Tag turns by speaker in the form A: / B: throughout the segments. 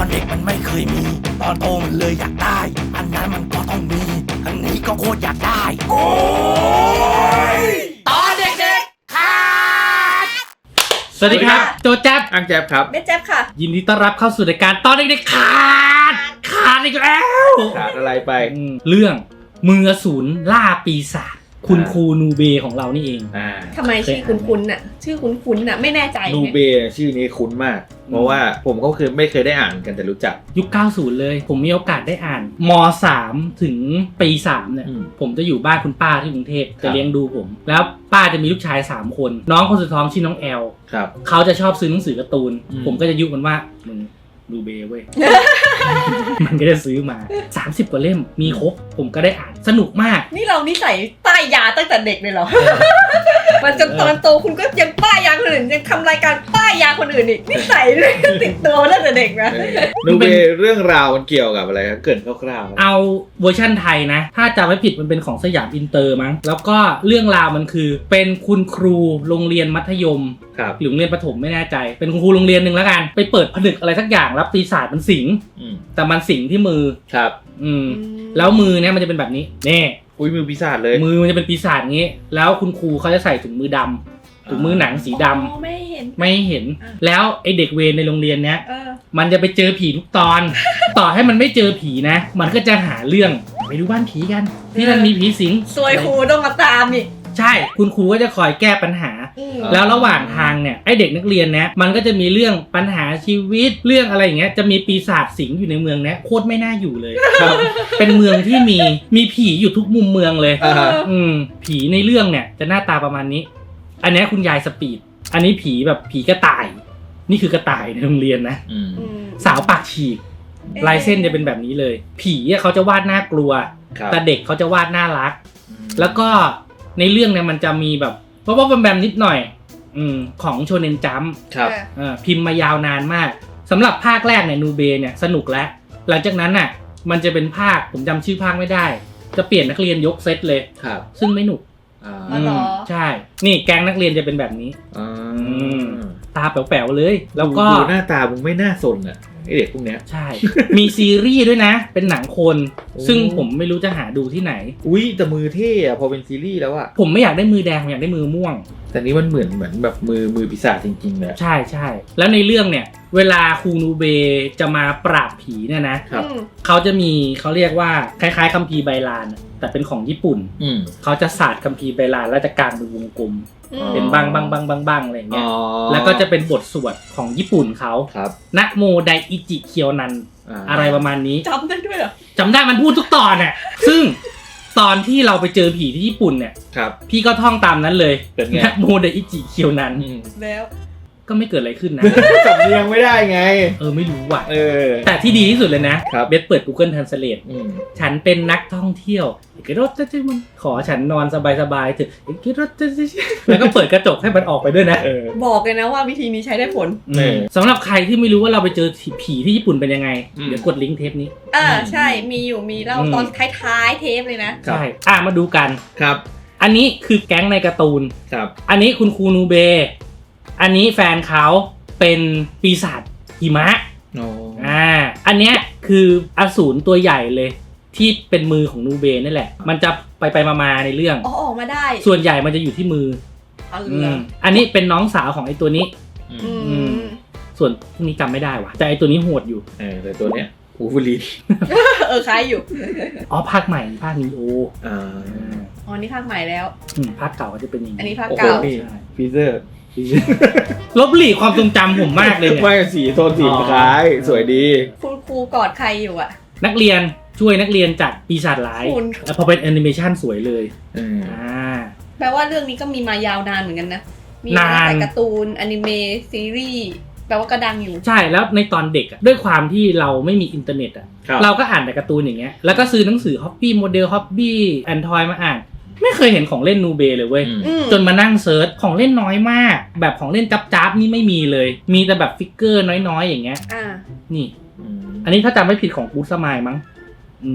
A: เด็กมันไม่เคยมี ตอนโตมันเลยอยากได้ อันนั้นมันก็ต้องมี อันนี้ก็โคตรอยากได้โอ้ยตอนเด็กๆขาด
B: สวัสดีครับโจแจ๊บ
C: อังแจ๊บครับ
D: เบสแจ๊บค่ะ
B: ยินดีต้อนรับเข้าสู่รายการตอนเด็กๆขาดอีกแล้ว
C: ขาดอะไรไป
B: เรื่องมืออสูรล่าปีศาจคุณครูนูเบของเรานี่เอง
D: ทำไมชื่อคุ้นๆน่ะชื่อคุ้นๆน่ะไม่แน่ใจ
C: นูเบชื่อนี้คุ้นมาก เพราะว่าผมก็คือไม่เคยได้อ่านกันแต่รู้จัก
B: ยุค 90 เลย ผมมีโอกาสได้อ่านม.3 ถึงปี 3 เนี่ยผมจะอยู่บ้านคุณป้าที่กรุงเทพจะเลี้ยงดูผม แล้วป้าจะมีลูกชาย 3 คน น้องคนสุดท้องชื่อน้องแอลเขาจะชอบซื้อหนังสือการ์ตูนผมก็จะยุมันว่ามึงนูเบเว้ย มันก็จะซื้อมา30 กว่าเล่มมีครบผมก็ได้อ่านสนุกมาก
D: นี่เรานิสัยป้ายยาตั้งแต่เด็กเลยเหรอ มันจนตอนโตคุณก็ยังป้ายยาคนอื่นยังทำรายการป้ายยาคนอื่นอีกนิสัยเลยติดตัวตั้งแต่เด็กนะ
C: นูเบเรื่องราวมันเกี่ยวกับอะไรครับเกิดคร่าว
B: ๆเอาเวอร์ชั่นไทยนะถ้าจำไม่ผิดมันเป็นของสยามอินเตอร์มั้งแล้วก็เรื่องราวมันคือเป็นคุณครูโรงเรียนมัธยมหรือโรงเรียนประถมไม่แน่ใจเป็นคุณครูโรงเรียนนึงแล้วกันไปเปิดผนึกอะไรสักอย่างแล้วปีศาจมันสิงแต่มันสิงที่มือ
C: ครับ
B: แล้วมือเนี่ยมันจะเป็นแบบนี้นี่
C: อุ้ยมือปีศาจเลย
B: มือมันจะเป็นปีศาจงี้แล้วคุณครูเขาจะใส่ถุงมือดำถุงมือหนังสีด
D: ำไม่เ
B: ห็นแล้วไอเด็กเวรในโรงเรียนเนี้ยมันจะไปเจอผีทุกตอน ต่อให้มันไม่เจอผีนะมันก็จะหาเรื่องไปดูบ้านผีกันที่นั่นมีผีสิง
D: ซวยครูต้องมาตามอีก
B: ใช่คุณครูก็จะคอยแก้ปัญหาแล้วระหว่างทางเนี่ยไอเด็กนักเรียนเนี้ยมันก็จะมีเรื่องปัญหาชีวิตเรื่องอะไรอย่างเงี้ยจะมีปีศาจสิงอยู่ในเมืองเนี้ยโคตรไม่น่าอยู่เลยเป็นเมืองที่มีผีอยู่ทุกมุมเมืองเลยผีในเรื่องเนี่ยจะหน้าตาประมาณนี้อันนี้คุณยายสปีดอันนี้ผีแบบผีกระต่ายนี่คือกระต่ายในโรงเรียนนะสาวปากฉีกลายเส้นจะเป็นแบบนี้เลยผีเขาจะวาดน่ากลัวแต่เด็กเขาจะวาดน่ารักแล้วก็ในเรื่องเนี่ยมันจะมีแบบเพราะว่าแบมนิดหน่อยของโชเน็นจัมป์พิมพ์มายาวนานมากสำหรับภาคแรกเนี่ยนูเบเนี่ยสนุกแล้วหลังจากนั้นน่ะมันจะเป็นภาคผมจำชื่อภาคไม่ได้จะเปลี่ยนนักเรียนยกเซตเลยซึ่งไม่หนุกใช่นี่แก๊งนักเรียนจะเป็นแบบนี้ตาแป๋วๆเลยแล้วก็
C: ดูหน้าตามึงไม่น่าสนอ่ะไอเด็กพวกเนี้ย
B: ใช่มีซีรีส์ด้วยนะเป็นหนังคนซึ่งผมไม่รู้จะหาดูที่ไหน
C: อุ้ยแต่มือเท่อะพอเป็นซีรีส์แล้วอะ
B: ผมไม่อยากได้มือแดงผมอยากได้มือม่วง
C: แต่นี้มันเหมือนแบบมือปีศาจจริงๆเลย
B: ใช่แล้วในเรื่องเนี่ยเวลาครูนูเบจะมาปราบผีเนี่ยนะเขาจะมีเขาเรียกว่าคล้ายๆคัมภีร์ไบลานแต่เป็นของญี่ปุ่นเขาจะศาสตร์คัมภีร์ไบลานแล้วจะกางเป็นวงกลมเป็นบังอะไรอย่างเงี้ยแล้วก็จะเป็นบทสวดของญี่ปุ่นเขานะโมไดอิจิเคียวนันอะไรประมาณนี้
D: จำได้ด้วยเหรอ
B: จำได้มันพูดทุกตอนน่ะซึ่งตอนที่เราไปเจอผีที่ญี่ปุ่นเนี่ยพี่ก็ท่องตามนั้นเลยนะโมไดอิจิเคียวนัน
D: แล้ว
B: ก็ไม่เกิดอะไรขึ้นนะ
C: สำเนียงไม่ได้ไง
B: ไม่รู้ว่ะแต่ที่ดีที่สุดเลยนะเบสเปิด Google Translate ฉันเป็นนักท่องเที่ยวขอฉันนอนสบายๆเถอะแล้วก็เปิดกระจกให้มันออกไปด้วยนะ
D: บอกเลยนะว่าวิธีนี้ใช้ได้ผล
B: สำหรับใครที่ไม่รู้ว่าเราไปเจอผีที่ญี่ปุ่นเป็นยังไงเดี๋ยวกดลิงก์เทปนี้
D: ใช่มีเล่าตอนท้ายเทปเลยนะ
B: ใช่มาดูกัน
C: ครับ
B: อันนี้คือแก๊งในการ์ตูน
C: ครับ
B: อันนี้คุณครูนูเบอันนี้แฟนเขาเป็นปีศาจหิมะอันเนี้ยคืออสูรตัวใหญ่เลยที่เป็นมือของนูเบนี่แหละมันจะไปมาในเรื่อง
D: ออกมาได้
B: ส่วนใหญ่มันจะอยู่ที่มืออันนี้เป็นน้องสาวของไอ้ตัวนี้ส่วนพวกนี้จำไม่ได้ว่ะแต่ไอ้ตัวนี้โหดอยู่
C: แต่ตัวเนี้ยอูฟูลี
D: คล้ายอยู่
B: ภาคใหม่ภาคนีโอ
D: นี่ภาคใหม่แล้ว
B: ภาคเก่าก็จะเป็นอย่างนี้
D: อันนี้ภาคเก่า
C: ฟีเซอร์
B: ลบหลีความทรงจำผมมากเลยเนี่ย
C: ไม่สีโทนสีคล้ายสวยดี
D: คุณครูกอดใครอยู่อ่ะ
B: นักเรียนช่วยนักเรียนจากปีศาจร้ายพอเป็นแอนิเมชันสวยเลย
D: แปลว่าเรื่องนี้ก็มีมายาวนานเหมือนกันนะมีตั้งแต่การ์ตูนอนิเมะซีรีส์แปลว่าก็ดังอยู่
B: ใช่แล้วในตอนเด็กด้วยความที่เราไม่มีอินเทอร์เน็ตเราก็อ่านแต่การ์ตูนอย่างเงี้ยแล้วก็ซื้อหนังสือฮอปปี้โมเดลฮอปปี้แอนทอยมาอ่านไม่เคยเห็นของเล่นนูเบเลยเว้ยจนมานั่งเซิร์ชของเล่นน้อยมากแบบของเล่นจับนี่ไม่มีเลยมีแต่แบบฟิกเกอร์น้อยๆอย่างเงี้ยนี่อันนี้ถ้าจำไม่ผิดของกู๊ดสมายมั้ง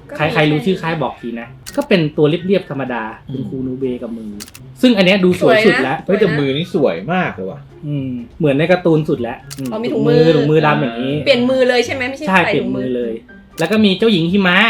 B: ใครรู้ชื่อค่ายบอกทีนะก็เป็นตัวเรียบๆธรรมดาคุณครูนูเบกับมือซึ่งอันเนี้ยดูสวยสุดแล้ว
C: เฮ้ยแต่มือนี่สวยมากเลยว่ะ
B: เหมือนในการ์ตูนสุดแล้ว
D: มีถุงมือ
B: ดำอย่างนี้
D: เปลี่ยนมือเลยใช่ไหมไม่ใช่
B: ใช่
D: ใส่
B: เปลี่ย
D: ถุ
B: น
D: ง
B: มื
D: มื
B: อ
D: อ
B: เลย แล้วก็มีเจ้าหญิงหิมะ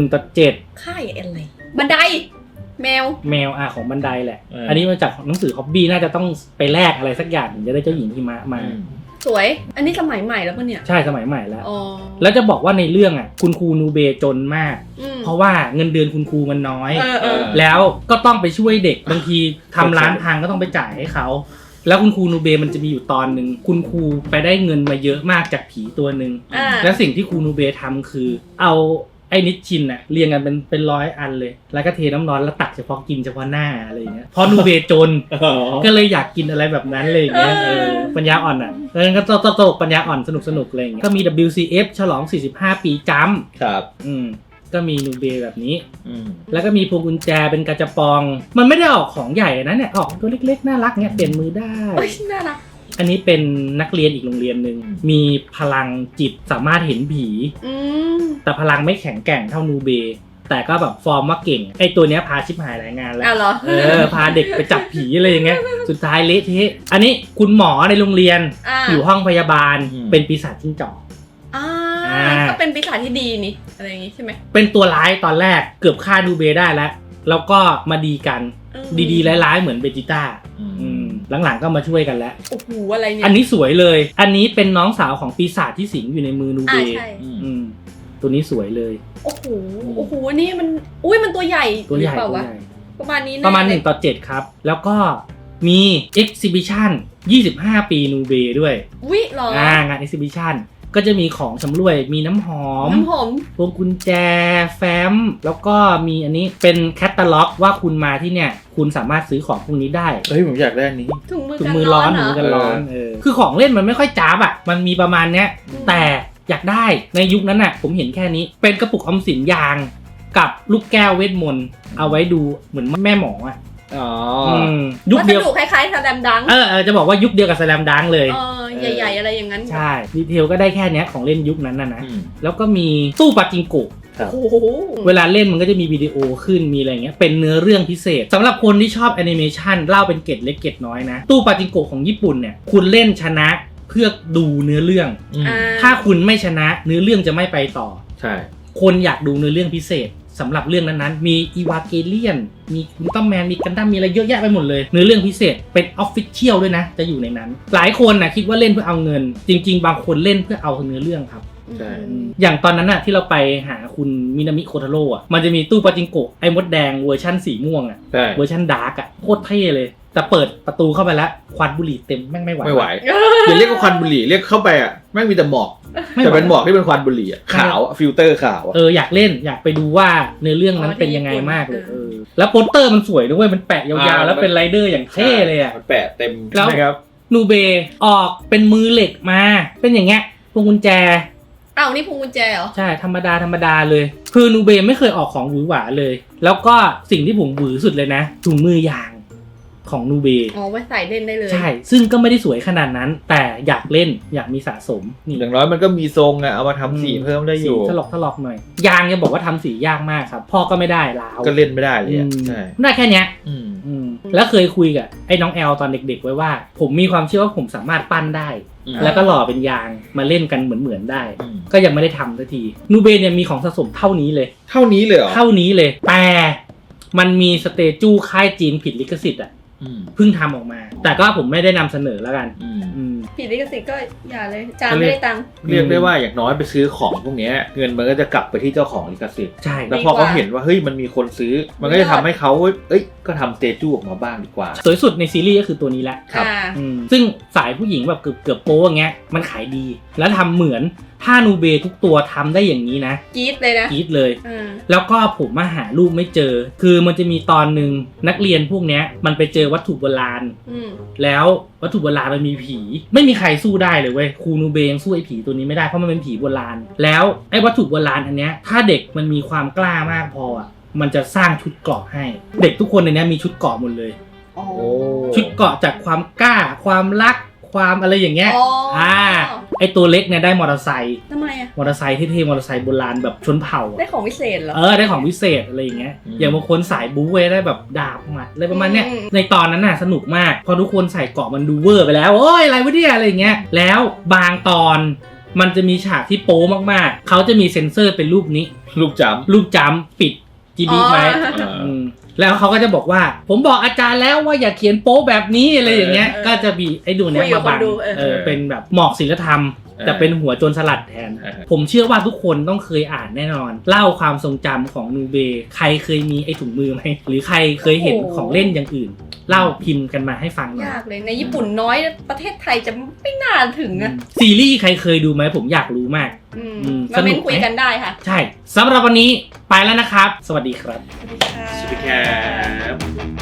B: 1/7
D: ค่ายอะไรบันไดแมว
B: ของบันไดแหละอันนี้มาจากหนังสือฮอบบี้น่าจะต้องไปแลกอะไรสักอย่างถึงจะได้เจ้าหญิงหิมะมา
D: สวยอันนี้สมัยใหม่แล้วปะเนี่ย
B: ใช่สมัยใหม่แล้วแล้วจะบอกว่าในเรื่องอ่ะคุณครูนูเบจนมากเพราะว่าเงินเดือนคุณครูมันน้อยแล้วก็ต้องไปช่วยเด็กบางทีทำร้านพังก็ต้องไปจ่ายให้เขาแล้วคุณครูนูเบมันจะมีอยู่ตอนหนึ่งคุณครูไปได้เงินมาเยอะมากจากผีตัวหนึ่งและสิ่งที่ครูนูเบทำคือเอาไอ้นิชชินอะเรียงกันเป็น100 อันเลยแล้วก็เทน้ำร้อนแล้วตักเฉพาะกินเฉพาะหน้าอะไรอย่างเงี้ยพอนูเบจนก็เลยอยากกินอะไรแบบนั้นเลยอย่างเงี้ยปัญญาอ่อนอะแล้วก็ตลกปัญญาอ่อนสนุกอะไรอย่างเงี้ยก็มี WCF ฉลอง45 ปีจัมป์
C: ครับ
B: ก็มีนูเบแบบนี้แล้วก็มีพวงกุญแจเป็นกระจะปองมันไม่ได้ออกของใหญ่นะเนี่ยออกตัวเล็กๆน่ารักเนี่ยเปลี่ยนมือได้
D: น่ารัก
B: อันนี้เป็นนักเรียนอีกโรงเรียนหนึ่งมีพลังจิตสามารถเห็นผีแต่พลังไม่แข็งแกร่งเท่านูเบแต่ก็แบบฟอร์มว่าเก่งไอตัวเนี้ยพาชิบหายหลายงานแล้วพาเด็กไปจับผีอะไรอย่างเงี้ยสุดท้ายเละเทะอันนี้คุณหมอในโรงเรียนอยู่ห้องพยาบาลเป็นปีศาจจิ้งจอก
D: ก็เป็นปีศาจที่ดีนี่อะไรอย่างงี้ใช่ไหม
B: เป็นตัวร้ายตอนแรกเกือบฆ่านูเบได้แล้วก็มาดีกันดีๆร้ายๆเหมือนเบจิต้าหลังๆก็มาช่วยกันแล้ว
D: โอ้โหอะไรเนี่ย
B: อันนี้สวยเลยอันนี้เป็นน้องสาวของปีศาจที่สิงอยู่ในมือนูเบตัวนี้สวยเลย
D: โอ้โหนี่มันมันตัวใหญ่เปล่าวะประมาณนี้
B: ประมาณ1/7ครับแล้วก็มี exhibition 25 ปีนูเบด้วย
D: หรอง
B: าน exhibition ก็จะมีของสำรวยมีน้ำหอมพวงกุญแจแฟ้มแล้วก็มีอันนี้เป็นแคตตาล็อกว่าคุณมาที่เนี่ยคุณสามารถซื้อของพวกนี้ได้
C: ผมอยากได้อันนี้
D: ถุงมือร้อน
B: คือของเล่นมันไม่ค่อยจ้าบอ่ะมันมีประมาณเนี้ยแต่อยากได้ในยุคนั้นน่ะผมเห็นแค่นี้เป็นกระปุกออมสินยางกับลูกแก้วเวทมนต์เอาไว้ดูเหมือนแม่หมออ่ะ
D: ยุคเดียวคล้ายๆสแลมดัง
B: จะบอกว่ายุคเดียวกับสแลมดังเลย
D: ใหญ่ๆอะไรอย่างนั้น
B: ใช่ดีเทลก็ได้แค่นี้ของเล่นยุคนั้นนะแล้วก็มีตู้ปาจิงโกะเวลาเล่นมันก็จะมีวิดีโอขึ้นมีอะไรเงี้ยเป็นเนื้อเรื่องพิเศษสำหรับคนที่ชอบแอนิเมชันเล่าเป็นเกร็ดเล็กเกร็ดน้อยนะตู้ปาจิงโกะของญี่ปุ่นเนี่ยคุณเล่นชนะเพื่อดูเนื้อเรื่องถ้าคุณไม่ชนะเนื้อเรื่องจะไม่ไปต่อ
C: ใช่
B: คนอยากดูเนื้อเรื่องพิเศษสำหรับเรื่องนั้นๆมีอีวาเกเลียนมีอุลตร้าแมนมีกันดั้มมีอะไรเยอะแยะไปหมดเลยเนื้อเรื่องพิเศษเป็นออฟฟิเชียลด้วยนะจะอยู่ในนั้นหลายคนนะคิดว่าเล่นเพื่อเอาเงินจริงๆบางคนเล่นเพื่อเอาเนื้อเรื่องครับ
C: ใช่
B: อย่างตอนนั้นน่ะที่เราไปหาคุณมินามิโคทาโร่อ่ะมันจะมีตู้ปาจิงโกะไอ้มดแดงเวอร์ชั่นสีม่วงอ่ะเวอร์ชั่นดาร์กอ่ะโคตรเท่เลยแต่เปิดประตูเข้าไปแล้วควันบุหรี่เต็มแม่งไม่ไหว
C: อย่าเรียกว่าควันบุหรี่เรียกเข้าไปอ่ะแม่งมีแต่หมอกแต่เป็นหมอกที่เป็นควันบุหรี่อ่ะขาวฟิลเตอร์ขาว
B: อยากเล่นอยากไปดูว่าเนื้อเรื่องนั้นเป็นยังไงมากเลยแล้วโปสเตอร์มันสวยด้วยมันแปะยาวๆแล้วเป็นไรเดอร์อย่างเท่เลยอ่ะ
C: มันแปะเต็ม
B: แล้วนูเบออกเป็นมือเหล็กมาเป็นอย่างเงี้ยพวงกุญแจ
D: นี่พวงกุญแจเหรอ
B: ใช่ธรรมดาเลยคือนูเบไม่เคยออกของหวือหวาเลยแล้วก็สิ่งที่ผมหวือสุดเลยนะถุงมือยางของนูเบ
D: ไว้ใส่เล่นได้เลย
B: ใช่ซึ่งก็ไม่ได้สวยขนาดนั้นแต่อยากเล่นอยากมีสะสม
C: นี่อย่างน้อยมันก็มีทรงเอามาทำสีเพิ่มได้อยู่
B: ถลอกหน่อยยางยังบอกว่าทำสียากมากครับพ่อก็ไม่ได้แล้ว
C: ก็เล่นไม่ได้เลยใช่
B: ได้แค่เนี้ยแล้วเคยคุยกับไอ้น้องแอลตอนเด็กๆไว้ว่าผมมีความเชื่อว่าผมสามารถปั้นได้แล้วก็หล่อเป็นยางมาเล่นกันเหมือนได้ก็ยังไม่ได้ทำสักทีนูเบเนี่ยมีของสะสมเท่านี้เลย
C: เท่านี้เลย
B: แต่มันมีสเตจูค่ายจีนผิดลิขสิทธิ์อ่ะเพิ่งทำออกมาแต่ก็ผมไม่ได้นำเสนอแล้วกัน
D: ผิดลิขสิทธิ์ก็อย่าเลยจานไม่ได้ตังค์
C: เรียกได้ว่าอย่างน้อยไปซื้อของพวกนี้เงินมันก็จะกลับไปที่เจ้าของลิขสิทธิ์
B: ใช่
C: แล้วพอเขาเห็นว่าเฮ้ยมันมีคนซื้อมันก็จะทำให้เขาก็ทำสเตจูออกมาบ้างดีกว่า
B: สวยสุดในซีรีส์ก็คือตัวนี้แหละ
C: ครับ
B: ซึ่งสายผู้หญิงแบบเกือบโป๊อย่างเงี้ยมันขายดีแล้วทำเหมือนถ้านูเบทุกตัวทำได้อย่างนี้นะ
D: กรี๊ดเลยนะ
B: กรี๊ดเลยแล้วก็ผมมาหารูปไม่เจอคือมันจะมีตอนนึงนักเรียนพวกเนี้ยมันไปเจอวัตถุโบราณแล้ววัตถุโบราณมันมีผีไม่มีใครสู้ได้เลยเว้ยครูนูเบยังสู้ไอ้ผีตัวนี้ไม่ได้เพราะมันเป็นผีโบราณแล้วไอ้วัตถุโบราณอันเนี้ยถ้าเด็กมันมีความกล้ามากพออ่ะมันจะสร้างชุดเกราะให้เด็กทุกคนในนี้มีชุดเกราะหมดเลยชุดเกราะจากความกล้าความรักความอะไรอย่างเงี้ยไอ้ตัวเล็กเนี่ยได้มอเตอร์ไซค์
D: ทำไมอ่ะ
B: มอเตอร์ไซค์เท่ๆมอเตอร์ไซค์โบราณแบบชนเผ่าอะ
D: ได้ของวิเศษเหรอ
B: ได้ของพิเศษอะไรอย่างเงี้ยอย่างบางคนสายบู๊เว้ยได้แบบดาบหมัดอะไรประมาณเนี้ย
D: อืม
B: ในตอนนั้นน่ะสนุกมากพอทุกคนใส่เกราะมันดูเวอร์ไปแล้วโอ้ยอะไรวะเนี่ยอะไรอย่างเงี้ยแล้วบางตอนมันจะมีฉากที่โป๊มากๆเขาจะมีเซ็นเซอร์เป็นรูปนี้
C: ลูกจ
B: รูปจำปิดจีบีไว้
C: ำ
B: มแล้วเขาก็จะบอกว่าผมบอกอาจารย์แล้วว่าอย่าเขียนโป๊แบบนี้อะไรอย่างเงี้ยก็จะมีไอ้ดูเนี้ยมาบังเป็นแบบหมอกศิลธรรมแต่เป็นหัวโจรสลัดแทน ผมเชื่อว่าทุกคนต้องเคยอ่านแน่นอน เล่าความทรงจำของนูเบใครเคยมีไอ้ถุงมือไหมหรือใครเคยเห็นของเล่นอย่างอื่น เล่าพิมพ์กันมาให้ฟังหน่อย
D: ยากเลยในญี่ปุ่นน้อยประเทศไทยจะไม่น่าถึงอ่ะ
B: ซีรีส์ใครเคยดูไหมผมอยากรู้มาก
D: มาเม้นคุยกันได้ค่ะ
B: ใช่สำหรับวันนี้ไปแล้วนะครับ สวัสดีครับ
D: สวัสดีค่ะ
C: สวัสดีครับ